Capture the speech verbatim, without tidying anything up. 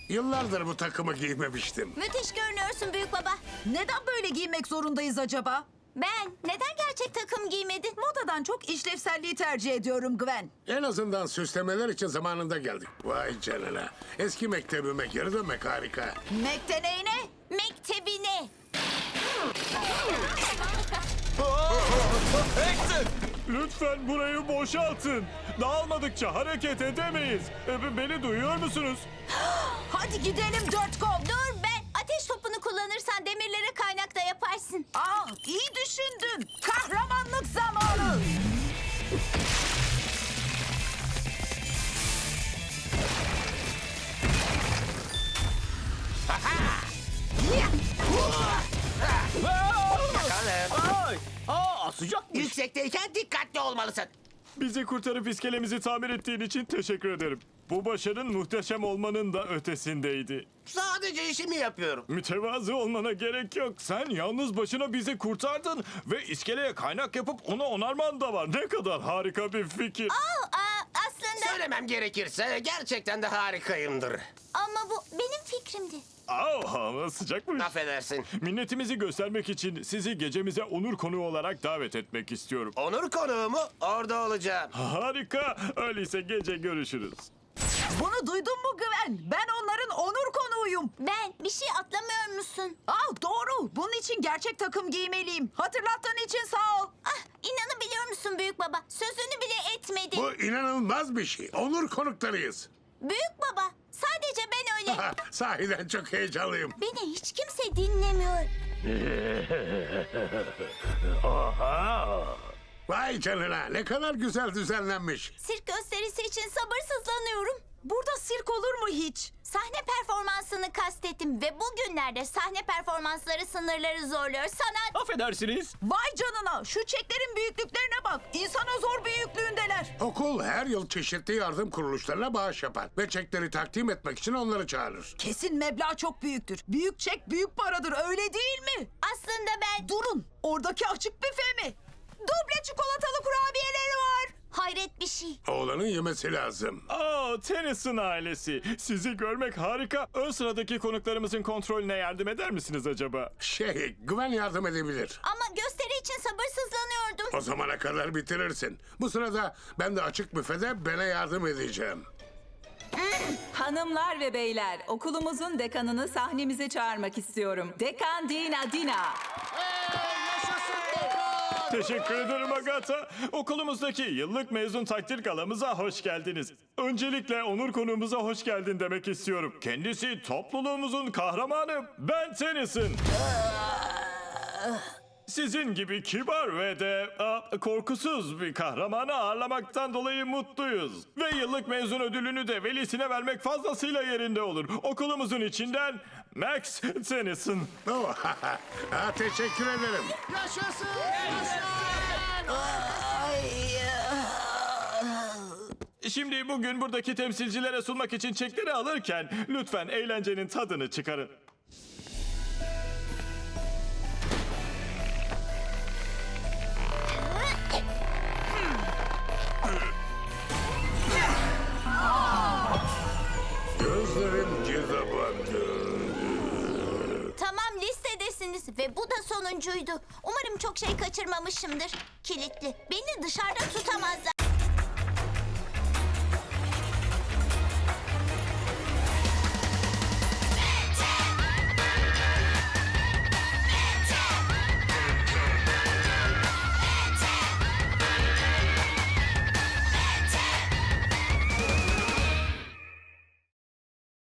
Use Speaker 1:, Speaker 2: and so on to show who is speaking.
Speaker 1: Yıllardır bu takımı giymemiştim.
Speaker 2: Müthiş görünüyorsun büyük baba.
Speaker 3: Neden böyle giymek zorundayız acaba?
Speaker 2: Ben neden gerçek takım giymedin?
Speaker 3: Modadan çok işlevselliği tercih ediyorum Gwen.
Speaker 1: En azından süslemeler için zamanında geldik. Vay canına. Eski mektebime geri dönmek harika.
Speaker 3: Mekteneğine.
Speaker 2: Mektebine.
Speaker 4: Hector!
Speaker 5: Lütfen burayı boşaltın. Dağılmadıkça hareket edemeyiz. E, Beni duyuyor musunuz?
Speaker 3: Hadi gidelim dört kol.
Speaker 2: Dur ben. Ateş topunu kullanırsan demirleri kaynakta yaparsın.
Speaker 3: Aa, iyi düşündün. Kahramanlık zamanı.
Speaker 4: Ay! Aa, sıcakmış.
Speaker 6: Yüksekteyken dikkatli olmalısın.
Speaker 5: Bizi kurtarıp iskelemizi tamir ettiğin için teşekkür ederim. Bu başarın muhteşem olmanın da ötesindeydi.
Speaker 6: Sadece işimi yapıyorum.
Speaker 5: Mütevazı olmana gerek yok. Sen yalnız başına bizi kurtardın ve iskeleye kaynak yapıp onu onarman da var. Ne kadar harika bir fikir.
Speaker 2: Aa, aa, aslında
Speaker 6: Söylemem gerekirse gerçekten de harikayımdır.
Speaker 2: ama bu benim fikrimdi.
Speaker 5: Aa, hava sıcakmış.
Speaker 6: Affedersin.
Speaker 5: Minnetimizi göstermek için sizi gecemize onur konuğu olarak davet etmek istiyorum.
Speaker 6: Onur konuğumu orada olacağım.
Speaker 5: Harika. Öyleyse gece görüşürüz.
Speaker 3: Bunu duydun mu Gwen? Ben onların onur konuğuyum.
Speaker 2: Ben bir şey atlamıyor musun?
Speaker 3: Aa, doğru. Bunun için gerçek takım giymeliyim. Hatırlattığın için sağ ol.
Speaker 2: Ah, inanabiliyor musun büyük baba? Sözünü bile etmedi.
Speaker 1: Bu inanılmaz bir şey. Onur konuklarıyız.
Speaker 2: Büyük baba, sadece ben öyle.
Speaker 1: Sahiden çok heyecanlıyım.
Speaker 2: Beni hiç kimse dinlemiyor.
Speaker 1: Vay canına, ne kadar güzel düzenlenmiş.
Speaker 2: Sirk gösterisi için sabırsızlanıyorum.
Speaker 3: Burada sirk olur mu hiç?
Speaker 2: Sahne performansını kastettim ve bugünlerde sahne performansları sınırları zorluyor. Sanat...
Speaker 4: Affedersiniz.
Speaker 3: Vay canına. Şu çeklerin büyüklüklerine bak. İnsana zor büyüklüğündeler.
Speaker 1: Okul her yıl çeşitli yardım kuruluşlarına bağış yapar ve çekleri takdim etmek için onları çağırır.
Speaker 3: Kesin meblağ çok büyüktür. Büyük çek büyük paradır, öyle değil mi?
Speaker 2: Aslında ben...
Speaker 3: Durun. Oradaki açık büfe mi? Duble çikolatalı kurabiyeleri var.
Speaker 2: Hayret bir şey.
Speaker 1: Oğlanın yemesi lazım.
Speaker 5: Aa, Tennyson ailesi. Sizi görmek harika. Ön sıradaki konuklarımızın kontrolüne yardım eder misiniz acaba?
Speaker 1: Şey, Güven yardım edebilir.
Speaker 2: Ama gösteri için sabırsızlanıyordum.
Speaker 1: O zamana kadar bitirirsin. Bu sırada ben de açık büfede Ben'e yardım edeceğim.
Speaker 7: Hanımlar ve beyler, okulumuzun dekanını sahnemize çağırmak istiyorum. Dekan Dina Dina.
Speaker 5: Teşekkür ederim Agatha. Okulumuzdaki yıllık mezun takdir galamıza hoş geldiniz. Öncelikle onur konuğumuza hoş geldin demek istiyorum. Kendisi topluluğumuzun kahramanı Ben Tennyson. Sizin gibi kibar ve de a, korkusuz bir kahramanı ağırlamaktan dolayı mutluyuz. Ve yıllık mezun ödülünü de velisine vermek fazlasıyla yerinde olur. Okulumuzun içinden Max Tennyson.
Speaker 1: Oh, ha, teşekkür ederim.
Speaker 5: Şimdi bugün buradaki temsilcilere sunmak için çekleri alırken lütfen eğlencenin tadını çıkarın.
Speaker 1: Gözlerim gizabandı.
Speaker 2: Tamam, listedesiniz ve bu da sonuncuydu. Umarım çok şey kaçırmamışımdır. Kilitli. Beni dışarıda tutamazlar.